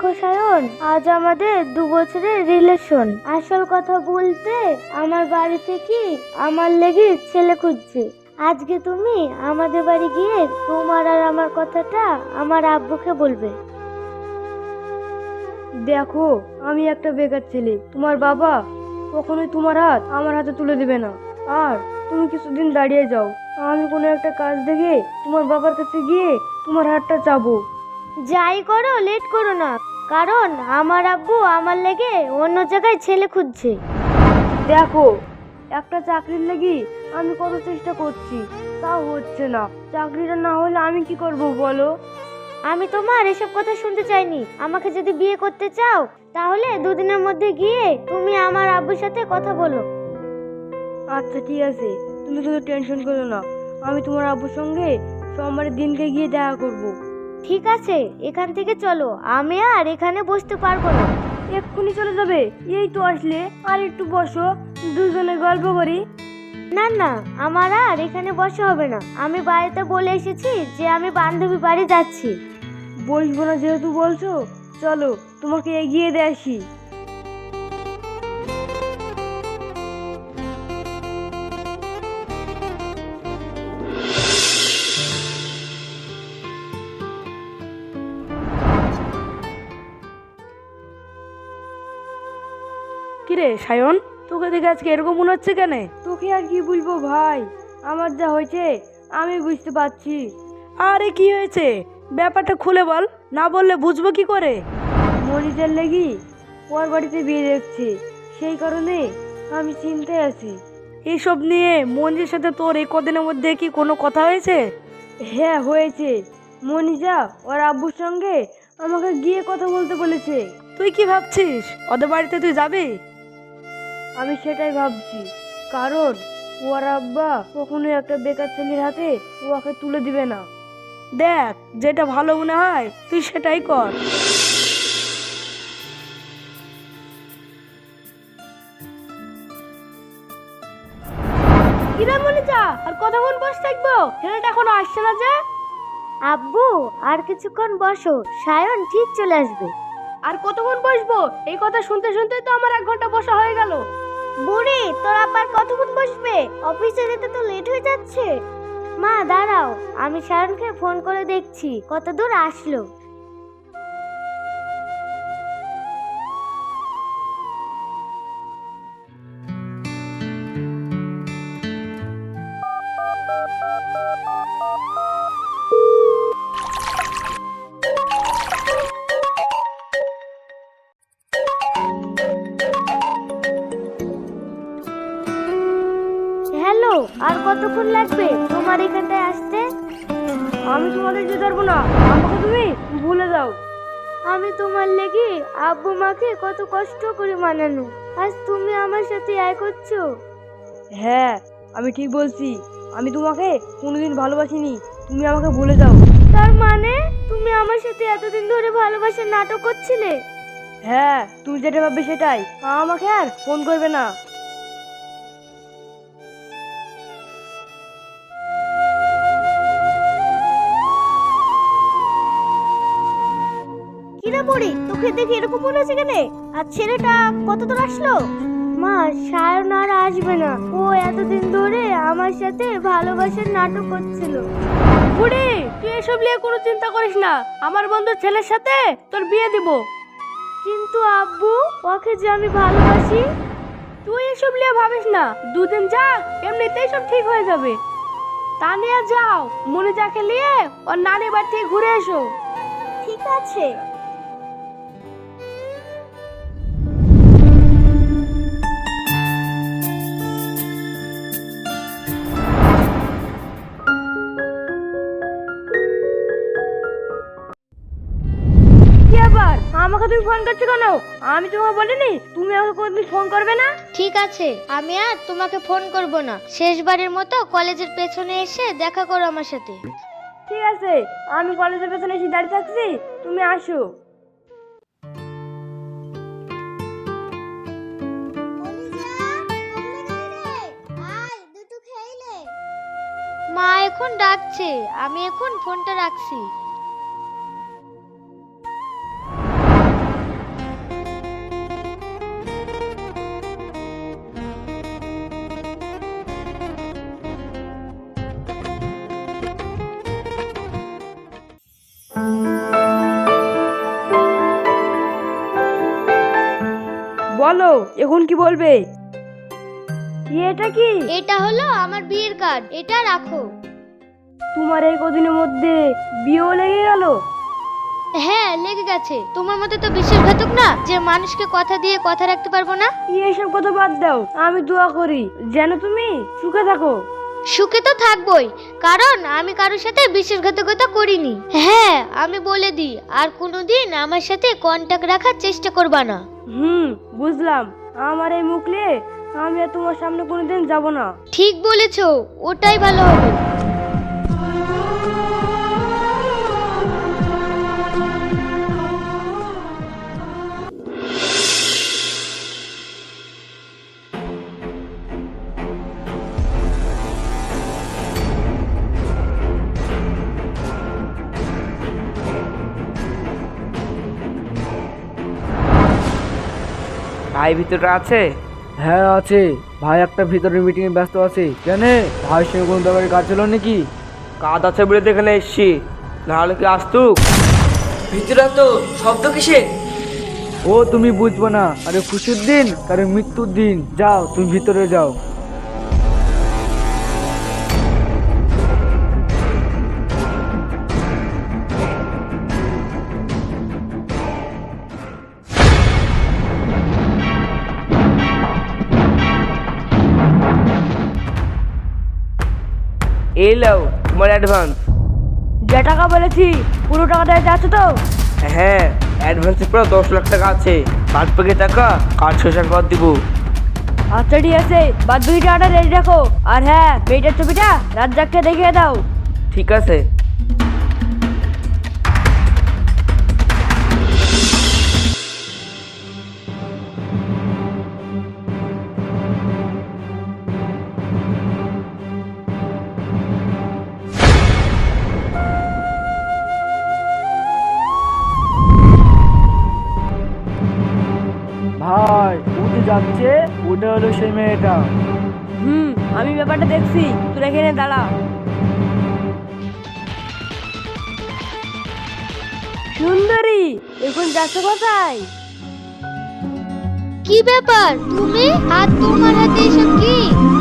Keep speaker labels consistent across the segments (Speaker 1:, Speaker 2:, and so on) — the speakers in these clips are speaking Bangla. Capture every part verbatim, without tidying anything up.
Speaker 1: দেখো সায়ন, আজ আমাদের দু বছরের রিলেশন। আসল কথা বলতে আমার বাড়ি থেকে আমার লেগে ছেলে খুঁজছে। আজকে তুমি আমাদের বাড়ি গিয়ে তোমার আর আমার কথাটা আমার আব্বুকে বলবে।
Speaker 2: দেখো, আমি একটা বেকার ছেলে, তোমার বাবা কখনোই তোমার হাত আমার হাতে তুলে দেবে না। আর তুমি কিছুদিন দাঁড়িয়ে যাও, আমি কোনো একটা কাজ দেখে তোমার বাবার কাছে গিয়ে তোমার হাতটা চাবো।
Speaker 1: যাই করো, লেট করো না, কারণ আমার আব্বু আমার লেগে অন্য জায়গায় ছেলে খুঁজছে।
Speaker 2: দেখো, একটা চাকরির লাগি আমি কত চেষ্টা করছি, তাও হচ্ছে না। চাকরিটা না হলে আমি কি করব বলো?
Speaker 1: আমি তোমার এসব কথা শুনতে চাইনি। আমাকে যদি বিয়ে করতে চাও তাহলে দুদিনের মধ্যে গিয়ে তুমি আমার আব্বুর সাথে কথা বলো।
Speaker 2: আচ্ছা ঠিক আছে, তুমি শুধু টেনশন করো না, আমি তোমার আব্বুর সঙ্গে সোমবারের দিনকে গিয়ে দেখা করব।
Speaker 1: ঠিক আছে, এখান থেকে চলো, আমি আর এখানে বসতে পারবো না।
Speaker 2: এক্ষুনি চলে যাবে? এই তো আসলে, আর একটু বসো, দুজনে গল্প করি।
Speaker 1: না না, আমার আর এখানে বসা হবে না। আমি বাড়িতে বলে এসেছি যে আমি বান্ধবী বাড়ি যাচ্ছি।
Speaker 2: বসবো না যেহেতু বলছো, চলো তোমাকে এগিয়ে দিয়ে আসি। কিরে সায়ন, তোকে দেখে আজকে এরকম মনে হচ্ছে কেন? তোকে আর কি বলবো ভাই, আমার যা হয়েছে আমি বুঝতে পারছি। আরে কি হয়েছে, ব্যাপারটা খুলে বল, না বললে বুঝবো কি করে? মনিজার লেগি ওর বাড়িতে বিয়ে দেখছে, সেই কারণে আমি চিন্তায় আছি। এইসব নিয়ে মনিজের সাথে তোর এই কদিনের মধ্যে কি কোনো কথা হয়েছে? হ্যাঁ হয়েছে, মনিজা ওর আব্বুর সঙ্গে আমাকে গিয়ে কথা বলতে বলেছে। তুই কি ভাবছিস, ওদের বাড়িতে তুই যাবি? আমি সেটাই ভাবছি, কারণ ওর আব্বা কখনোই একটা বেকার ছেলের হাতে ওকে তুলে দিবে না। দেখ, যেটা ভালো মনে হয় তুই সেটাই কর। কিরে মনিজা, আর কতক্ষণ বসে থাকবো? ছেলেটা এখনো আসছে না যে?
Speaker 1: আব্বু, আর কিছুক্ষণ বসো, সায়ন ঠিক চলে আসবে।
Speaker 2: আর কতক্ষণ বসবো? এই কথা শুনতে শুনতে তো আমার এক ঘন্টা বসা হয়ে গেল।
Speaker 1: বুড়ি, তোর আবার কতক্ষণ বসবে? অফিসে যেতে তো লেট হয়ে যাচ্ছে। মা দাঁড়াও, আমি সায়নকে ফোন করে দেখছি কত দূর আসলো। হ্যালো, আর কতক্ষণ লাগবে তোমার এখানটায় আসতে?
Speaker 2: আমি তোমাদের যেতে পারবো না, আমাকে তুমি ভুলে যাও।
Speaker 1: আমি তোমার লেগে আব্বু মাকে কত কষ্ট করে মানানো, আজ তুমি আমার সাথে আয় করছো।
Speaker 2: হ্যাঁ, আমি ঠিক বলছি, আমি তোমাকে কোনোদিন ভালোবাসিনি, তুমি আমাকে ভুলে যাও।
Speaker 1: তার মানে তুমি আমার সাথে এতদিন ধরে ভালোবাসার নাটক করছিলে?
Speaker 2: হ্যাঁ, তুমি যেটা ভাববে সেটাই, আমাকে আর ফোন করবে না।
Speaker 1: কিরে বুড়ি, তোকে দেখে এরকম মনে হচ্ছে কেন? আর ছেলেটা কত দূর আসলো? মা, সায়ন আর আসবে না, ও এতদিন ধরে আমার সাথে ভালোবাসার নাটক করছিল।
Speaker 2: বুড়ি, তুই এসব নিয়ে কোনো চিন্তা করিস না, আমার বন্ধুর ছেলের সাথে তোর বিয়ে দিব।
Speaker 1: কিন্তু আব্বু, ওকে যে আমি ভালোবাসি।
Speaker 2: তুই এসব নিয়ে ভাবিস না, দুদিন যা, এমনিতেই সব ঠিক হয়ে যাবে। তা নিয়ে যাও, মনে যাকে নিয়ে ওর নানি বাড়ি থেকে ঘুরে এসো।
Speaker 1: ঠিক আছে।
Speaker 2: কি আবার আমাকে তুমি ফোন করছো কেন? আমি তোমাকে বলিনি তুমি আমাকে কোনদিন ফোন করবে না?
Speaker 1: ঠিক আছে, আমি আর তোমাকে ফোন করব না। শেষবারের মতো কলেজের পেছনে এসে দেখা করো আমার সাথে।
Speaker 2: ঠিক আছে, আমি কলেজের পেছনে এসে দাঁড়িয়ে থাকছি, তুমি আসো।
Speaker 1: মা এখন ডাকছে, আমি এখন ফোনটা রাখছি।
Speaker 2: এখন কি বলবে? এটা কি?
Speaker 1: এটা হলো আমার বিয়ের কার্ড, এটা রাখো।
Speaker 2: তোমার এই কদিনের মধ্যে বিয়েও লেগে গেল?
Speaker 1: হ্যাঁ লেগে গেছে। তোমার মতো তো বিশ্বাসঘাতক না যে মানুষকে কথা দিয়ে কথা রাখতে পারবো না।
Speaker 2: এসব কথা বাদ দাও, আমি দোয়া করি যেন তুমি সুখে থাকো।
Speaker 1: সুখে তো থাকবোই, কারণ আমি কারোর সাথে বিশ্বাসঘাতকতা করিনি। হ্যাঁ আমি বলে দিই, আর কোনোদিন আমার সাথে কন্টাক্ট রাখার চেষ্টা করবা না।
Speaker 2: হুম বুঝলাম। আমার এই মুখ নিয়ে আমি আর তোমার সামনে কোনোদিন যাব না।
Speaker 1: ঠিক বলেছো, ওটাই ভালো হবে।
Speaker 3: ভাই ভিতরে আছে?
Speaker 4: হ্যাঁ আছে। ভাই একটা ভিতরে মিটিং এ ব্যস্ত আছে। কেন ভাই সঙ্গে কোনো ব্যাপারে কাজ ছিল নাকি?
Speaker 3: কাজ আছে বলে তো এখানে এসছি, নাহলে কি আসতুক? ভিতরে তো শব্দ কিসে?
Speaker 4: ও তুমি বুঝবো না, আরে খুশির দিন কারো মৃত্যুর দিন। যাও তুমি ভিতরে যাও।
Speaker 3: এই লাও তোমার অ্যাডভান্স।
Speaker 2: যে টাকা বলেছি পুরো টাকা দিয়ে যাচ্ছ তো?
Speaker 3: হ্যাঁ অ্যাডভান্সে পুরো দশ লাখ টাকা আছে, বাদ বাকি টাকা কাজ শেষের পর দিব।
Speaker 2: আচ্ছা ঠিক আছে, বাদ বাকি টাকাটা রেডি রাখো। আর হ্যাঁ, মেয়েটার ছবিটা রাজ্জাককে দেখিয়ে দাও।
Speaker 3: ঠিক আছে।
Speaker 4: ভাই উঠে যাচ্ছে, ওটা হলো সেই মেয়েটা।
Speaker 2: হুম আমি ব্যাপারটা দেখছি, তোরা এখানে দাঁড়া। সুন্দরী এখন যাচ্ছ কোথায়?
Speaker 1: কি ব্যাপার তুমি? আর তোমার হাতে এসব কি?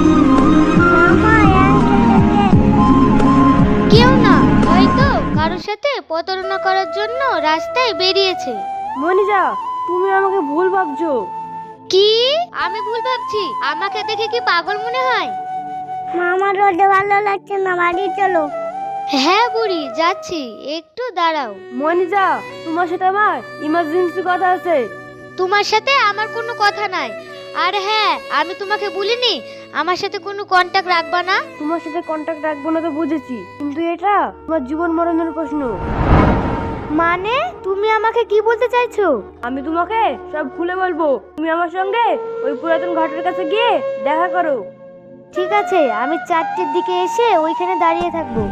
Speaker 1: কেউ না, হয়তো কারোর সাথে প্রতারণা করার জন্য রাস্তায় বেরিয়েছে।
Speaker 2: মনিজা তুমি আমাকে ভুল ভাবছো।
Speaker 1: কি আমি ভুল ভাবছি? আমাকে দেখে কি পাগল মনে হয়?
Speaker 5: মামা রোদে ভালো লাগছে না, বাড়ি চলো।
Speaker 1: হ্যাঁ বুড়ি যাচ্ছি, একটু দাঁড়াও।
Speaker 2: মনিজা তোমার সাথে আমার ইমার্জেন্সি কথা আছে।
Speaker 1: তোমার সাথে আমার কোনো কথা নাই। আর হ্যাঁ আমি তোমাকে বলিনি আমার সাথে কোনো কন্টাক্ট রাখবা না।
Speaker 2: তোমার সাথে কন্টাক্ট রাখবো না তো বুঝেছি, কিন্তু এটা তোমার জীবন মরণের প্রশ্ন।
Speaker 1: মানে তুমি আমাকে কি বলতে চাইছো?
Speaker 2: আমি তোমাকে সব খুলে বলবো, তুমি আমার সঙ্গে ওই পুরাতন ঘাটের কাছে গিয়ে দেখা করো।
Speaker 1: ঠিক আছে, আমি চারটের দিকে এসে ওইখানে দাঁড়িয়ে থাকবো।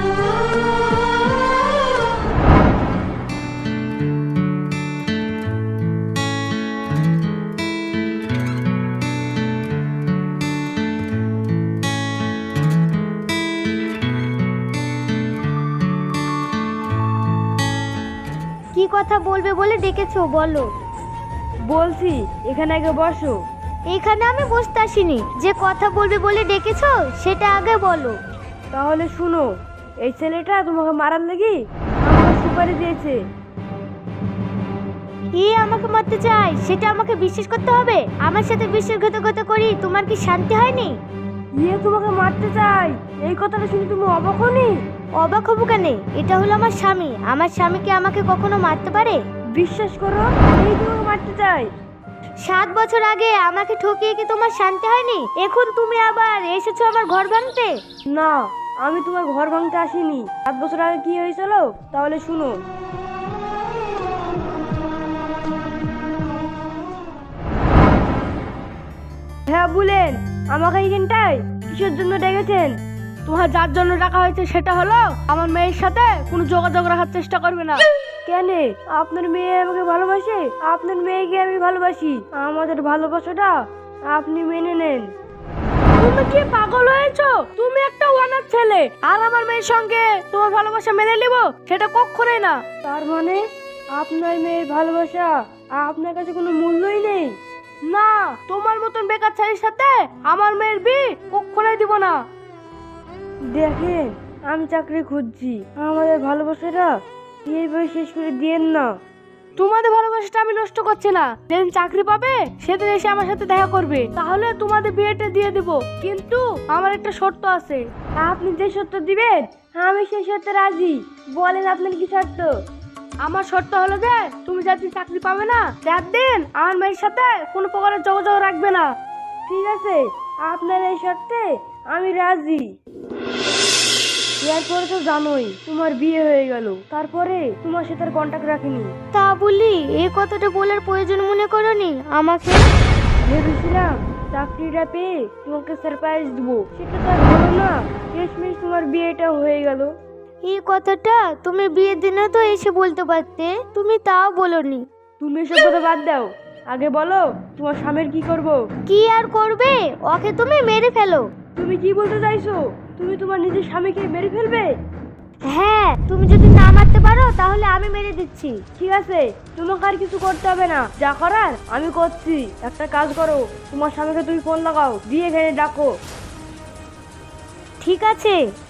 Speaker 1: কি কথা বলবে বলে ডেকেছো বলো?
Speaker 2: বলছি এখানে আগে বসো।
Speaker 1: এখানে আমি বসতে আসিনি, যে কথা বলবে বলে ডেকেছো সেটা আগে বলো।
Speaker 2: তাহলে শুনো, এই ছেলেটা তোমাকে মারার লাগি আমাকে সুপারি দিয়েছে।
Speaker 1: এ আমাকে মারতে চাই, সেটা আমাকে বিশ্বাস করতে হবে? আমার সাথে বিশ্বাসঘাতকতা করি তোমার কি শান্তি হয়নি?
Speaker 2: ইয়ে তোমাকে মারতে চাই, এই কথাটা শুনে তুমি অবাক হনি?
Speaker 1: অবাক হবো কেন? এটা হলো আমার স্বামী, আমার স্বামী কি আমাকে কখনো মারতে পারে?
Speaker 2: বিশ্বাস করো, এই তোমাকে মারতে চাই।
Speaker 1: সাত বছর আগে আমাকে ঠকিয়ে কি তোমার শান্তি হয়নি? এখন তুমি আবার এসেছো আমার ঘর ভাঙতে?
Speaker 2: না, আমি তোমার ঘর ভাঙতে আসিনি। সাত বছর আগে কি হয়েছিল তাহলে শুনো। হ্যাঁ বলেন, আমাকে এইখানটায় কিসের জন্য ডেকেছেন? তোমার যার জন্য ডাকা হয়েছে সেটা হলো আমার মেয়ের সাথে কোনো যোগাযোগ রাখার চেষ্টা করবে না। কেন? আপনার মেয়ে আমাকে ভালোবাসে, আপনার মেয়েকে আমি ভালোবাসি। আমাদের ভালোবাসাটা আপনি মেনে নেন। তুমি কি পাগল হয়েছো? তুমি একটা অনাথ ছেলে, আর আমার মেয়ের সঙ্গে তোমার ভালোবাসা মেনে নিব সেটা কখনোই না। তার মানে আপনার মেয়ের ভালোবাসা আপনার কাছে কোনো মূল্যই নেই? না, তোমার মতন বেকার ছেলের সাথে আমার মেয়ের বিয়ে কখনোই দিব না। দেখেন, আমি চাকরি খুঁজছি, আমাদের ভালোবাসাটা এইভাবে শেষ করে দিয়েন না। তোমাদের ভালোবাসাটা আমি নষ্ট করছি না, যেদিন চাকরি পাবে সেদিন এসে আমার সাথে দেখা করবে, তাহলে তোমাদের বিয়েটা দিয়ে দেব। কিন্তু আমার একটা শর্ত আছে। আপনি যে শর্ত দিবেন আমি সেই শর্তে রাজি। বলেন আপনার কি শর্ত? আমার শর্ত হলো যে তুমি যাদিন চাকরি পাবে না তার দিন আমার মেয়ের সাথে কোনো প্রকারের যোগাযোগ রাখবে না। ঠিক আছে, আপনার এই শর্তে আমি রাজি। এরপরে তো জানোই তোমার বিয়ে হয়ে গেল, তারপরে তোমার সাথে আর কন্টাক্ট রাখিনি।
Speaker 1: তা বলি এই কথাটা বলার প্রয়োজন মনে করনি আমাকে?
Speaker 2: ভেবেছিলাম চাকরিটা পেয়ে তোমাকে সারপ্রাইজ দেবো, সেটা তো আর হলো না। শেষমেশ তোমার বিয়েটা হয়ে গেল।
Speaker 1: এই কথাটা তুমি বিয়ের দিনে তো এসে বলতে পারতে, তুমি তাও বলনি।
Speaker 2: তুমি এসব কথা বাদ দাও, আগে বলো তোমার স্বামীর কি করব?
Speaker 1: কি আর করবে, ওকে তুমি মেরে ফেলো।
Speaker 2: তুমি কি বলতে চাইছো? তুমি তোমার নিজের স্বামীকে মেরে ফেলবে?
Speaker 1: হ্যাঁ, তুমি যদি না মারতে পারো তাহলে আমি মেরে দিচ্ছি।
Speaker 2: ঠিক আছে, তোমাকে আর কিছু করতে হবে না, যা করার আমি করছি। একটা কাজ করো, তোমার স্বামীকে তুমি ফোন লাগাও, দিয়ে এখানে ডাকো।
Speaker 1: ঠিক আছে।